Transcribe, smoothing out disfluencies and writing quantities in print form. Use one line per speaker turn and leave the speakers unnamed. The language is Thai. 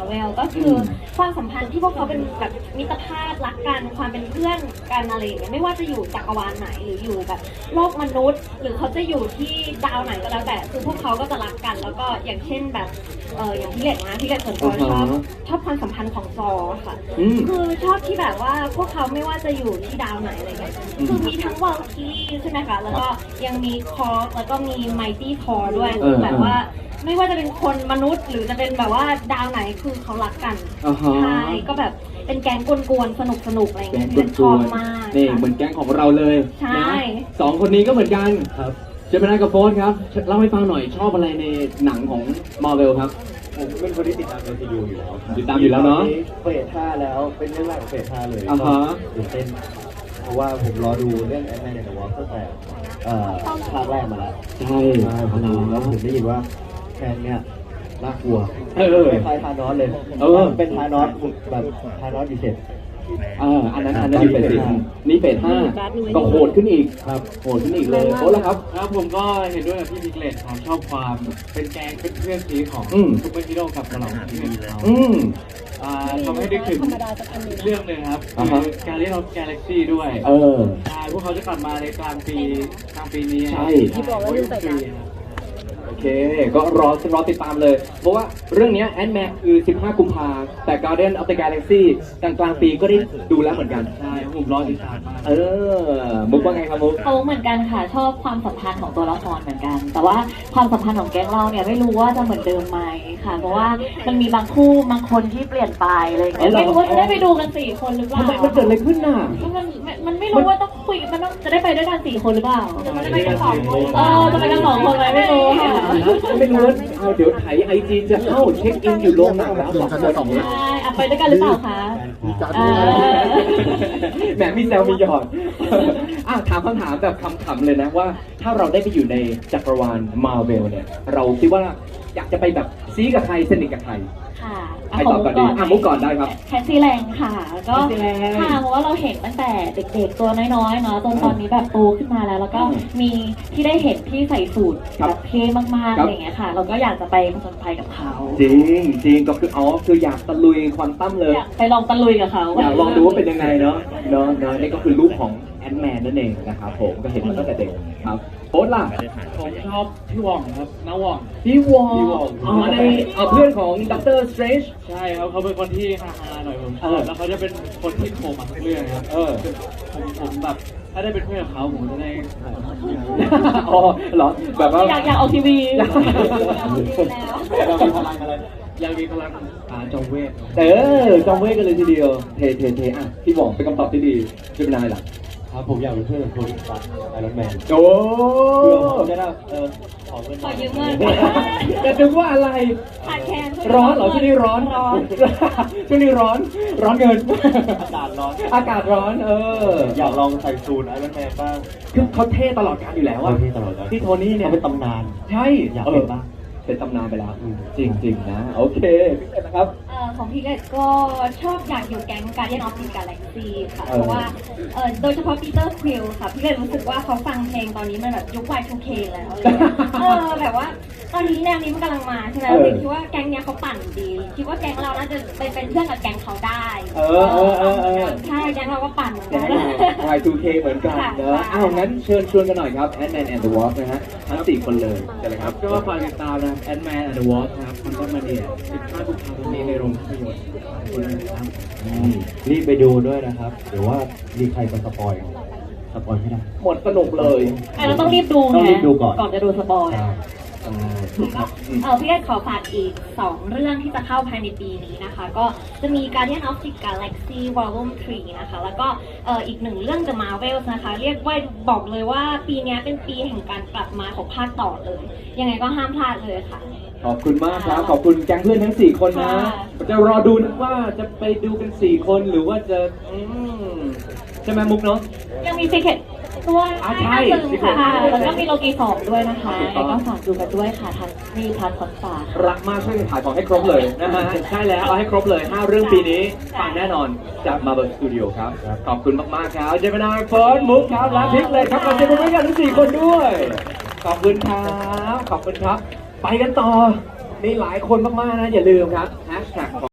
เวลก็คือความสัมพันธ์ที่พวกเขาเป็นแบบมิตรภาพรักกันความเป็นเพื่อนกันอะไรอย่างเงี้ยไม่ว่าจะอยู่จักรวาลไหนหรืออยู่แบบโลกมนุษย์ หรือเขาจะอยู่ที่ดาวไหนก็แล้วแต่คือพวกเขาก็จะรักกัน แล้วก็อย่างเช่นแบบอย่างพี่เล็กนะพี่เล็กส่วนตัวชอบความสัมพันธ์ของซอค่ะคือชอบที่แบบว่าพวกเขาไม่ว่าจะอยู่ที่ดาวไหนอะไรเงี้ยคือมีทั้งวอลคีใช่ไหมคะแล้วก็ยังมีคอร์แล้วก็มีไมตี้ทอร์ด้วยคือแบบว่าไม่ว่าจะเป็นคนมนุษย์หรือจะเป็นแบบว่าดาวไหนคือเขารักกันใช่ก็แบบเป็นแก๊งกวนๆสนุกอะไรเงี้ยที่ชอบมาก
นี่เหมือนแก๊งของเราเลย
ใช่
สองคนนี้ก็เหมือนกันครับเจมินายกับโฟสครับเล่าให้ฟังหน่อยชอบอะไรในหนังของมาร์เวลครับ
ผมเป็นคนที่ติดตาม MCU อยู่แล้ว
ติดตามอยู่แล้วเนาะ
เฟส5แล้วเป็นเรื่องแรกของเฟส5เลยตื่นเต้นเพราะว่าผมรอดูเรื่อง Ant-Man and the Wasp ตั้งแต่ภาคแรกมาแล้ว
ใช่
ผมดูแล้วผมได้ยินว่าแคนเนี่ยน่ากลัวคล้ายธานอสเลยเป็นธานอสแบบธานอสดีเซ็ต
อันนั้นอยู่เฟส4นี่เฟส5ก็โหดขึ้นอีกครับโหดขึ้นอีกเลยโอ้แล้วครับ
ผมก็เห็นด้วยกับพี่พิกเลตครับชอบความเป็นแกงเป็นเพื่อนซีของซุปเปอร์ฮีโร่กับตลอดที่เป็นเขาทำให้ได้ถึงเรื่องหนึ่งครับคือการเรียกเราแกลเล็กซี่ด้วยพวกเขาจะกลับมาในกลางปีนี้
ใช่
ที่บอกว่าเรื่องแต่ละ
โอเคก็รอติดตามเลยเพราะว่าเรื่องนี้แอนด์แมนคือ15กุมภาแต่ Guardian of the Galaxy กลางปีก็ได้ดูแล้วเหมือนกัน
ใช่ผมรอติดตามมาก
มุกว่าไงครับมุก
เหมือนกันค่ะชอบความสัมพันธ์ของตัวละครเหมือนกันแต่ว่าความสัมพันธ์ของแก๊งเราเนี่ยไม่รู้ว่าจะเหมือนเดิมไหมค่ะเพราะว่ามันมีบางคู่บางคนที่เปลี่ยนไปเลยไม่รู้ว่าจะได้ไปดูกัน4คนหรือเปล่า
ทำไมมันเกิดอะไรขึ้นน่ะ
มันไม่รู้ว่าต้องคุยมันต้องจะได้ไปด้วยกัน4คนหรือเปล่าจะไม่ได้ไปกัน2คนจะไปกัน2คนไหมไม่รู้
ไม่รู้เดี๋ยวไถไอจีจะเข้าเช็คอินอยู่โรงหนังแล้ว2 คน
ใช่ไปด้วยกันหรือเปล่าคะ
แหมมีแซวมีหยอดถามคำถามแบบคำๆเลยนะว่าถ้าเราได้ไปอยู่ในจักรวาลมาร์เวลเนี่ยเราคิดว่าอยากจะไปแบบซีกับใครสนิทกับใคร
ค่ะ
ใครตอบก่อนดีมุกก่อนได้ครับ
แคสซี่แรงค่ะก็ค่ะเพราะว่าเราเห็นตั้งแต่เด็กๆตัวน้อยๆเนาะจนตอนนี้แบบโตขึ้นมาแล้วแล้วก็มีที่ได้เห็นที่ใส่สูทแบบเท่มากๆอะไรอย่างเงี้ยค่ะเราก็อยากจะไปผจญภัยกับเขา
จริงก็คืออยากตะลุยควอนตัมเลย
ไปลองตะลุยกับเขา
อยากลองดูว่าเป็นยังไงเนาะนี่ก็คือลูกของแอนด์แมนนั่นเองนะครับผมก็เห็นมาตั้งแต่เด็กครับโอ๊ตล่ะ
ผมชอบพี่วองครับน้าว่อง
พี่วองในเพื่อนของด็อกเตอร์สเตรนจ์
ใช่ครับเขาเป็นคนที่ฮาๆหน่อยผมชอบแล้วเขาจะเป็นคนที่โผล่มาทุกเรื่องครับผมแบบถ้าได้เป็นเพื่อนกับเขาผมจะได้
เหรอแบบว่า
อยากออกทีวีแล้ว
มีพลังอะไรอยากมีพลังจอมเวท
จอมเวทกันเลยทีเดียวเทพี่บอกเป็นคำตอบที่ดีจะเป็นอะไรล่ะ
ครับผมอยากเป็นเพื่อนกับโทนี่สตาร์ไอรอนแมน
โอ้
เพื่อผมจะได้
ขอยืมเงิน
จะนึกว่าอะไร
ขาดแคลน
ร้อนเหรอช่วงนี้ร้อนช่วงนี้ร้อนเงินอากาศร้อน
อยากลองใส่สูทไอรอนแมนบ้าง
คือเขาเท่ตลอดกาลอยู่แล้วอะที่โทนี่เนี่ย
เป็นตำนาน
ใช่
อยากเป็นบ้าง
เป็นตำนานไปแล้วจริงนะโอเคพี่เกดนะครับ
ของพี่เกดก็ชอบอยากอยู่แก๊ง Guardian of the Galaxy ค่ะเพราะว่าโดยเฉพาะปีเตอร์ควิลค่ะพี่เกดรู้สึกว่าเขาฟังเพลงตอนนี้มันแบบยุค Y2K แล้วแบบว่าตอนนี้แนวนี้มันกำลังมาใช่ไหมพี่คิดว่าแก๊งเนี้ยเขาปั่นดีคิดว่าแก๊งเราน่าจะเป็นเพื่อนกับแก๊งเขาได้ใช่แก๊งเราก็ปั่นเหมือนกัน
Y2K เหมือนกันเนอะงั้นเชิญชวนกันหน่อยครับ Ant-Man and the Wasp นะฮะทั้ง4คนเลยใช่ไหมครับ
ก็ฝากติดตามนะ Ant-Man and the Wasp ครับคอนเสิร์ตมาเนี่ย15กุมภาพันธ์นี้ในโรงภาพยนตร์
รีบไปดูด้วยนะครับเดี๋ยวว่ามีใครจะสปอยไม่ได้
หมดสนุกเลย
เราต้องรีบดู
นะ
ก่อนจะดูสปอยพี่เกดขอฝากอีก2เรื่องที่จะเข้าภายในปีนี้นะคะก็จะมี Guardian of the Galaxy Volume 3นะคะแล้วก็อีก1เรื่อง The Marvels นะคะเรียกว่าบอกเลยว่าปีนี้เป็นปีแห่งการกลับมาของภาคต่อเลยยังไงก็ห้ามพลาดเลยค่ะ
ขอบคุณมากครับขอบคุณแก๊งเพื่อนทั้ง4คนนะจะรอดูนะว่าจะไปดูกัน4คนหรือว่าจะใช่ไหมมุกเนาะ
ยังมี Secret ด้วย
ใช่
ค่ะแล้วก็มีโลกี2ด้วยนะคะก็ฝากดูกันด้วยค่ะทางมีพาร์ทคอนฝาก
รักมากช่วยขายของให้ครบเลยนะฮะใช่แล้วเอาให้ครบเลย5เรื่องปีนี้ฟังแน่นอนจาก Marvel Studio ครับขอบคุณมากๆครับเจมินายเฟิร์สมุกครับและพิกเลยครับขอบคุณกันทั้ง4คนด้วยขอบคุณครับไปกันต่อมีหลายคนมากๆนะอย่าลืมครับ